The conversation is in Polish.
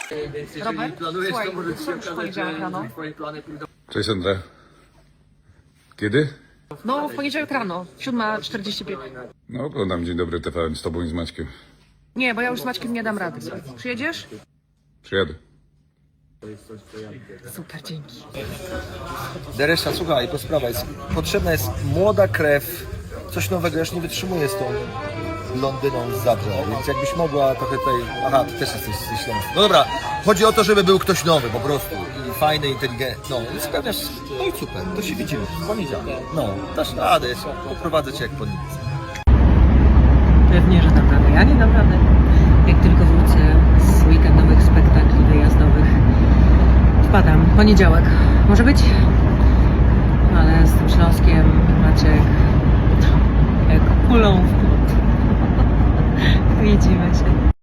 Robert, słuchaj, w poniedziałek rano. Cześć Andrea. Kiedy? No, w poniedziałek rano, 7:45. No oglądam Dzień Dobry TVN z tobą i z Maćkiem. Nie, bo ja już z Maćkiem nie dam rady. Przyjedziesz? Przyjadę. Super, dzięki. Deresza, słuchaj, to sprawa jest, potrzebna jest młoda krew, coś nowego, ja już nie wytrzymuję z tą Londyną z Zabrza, więc jakbyś mogła trochę tutaj, aha, ty też jesteś z Śląska. No dobra, chodzi o to, żeby był ktoś nowy po prostu i fajny, inteligentny, no i spełniasz, no i super, to się widzimy w poniedziałek, no, dasz radę, poprowadzę cię jak po nic. Pewnie, że dam radę. Ja nie dam rady. Jak tylko wrócę z weekendowych spektakli wyjazdowych, wpadam. Poniedziałek. Może być? Ale z tym Śląskiem, Maciek, jak kulą w płot. Widzimy się.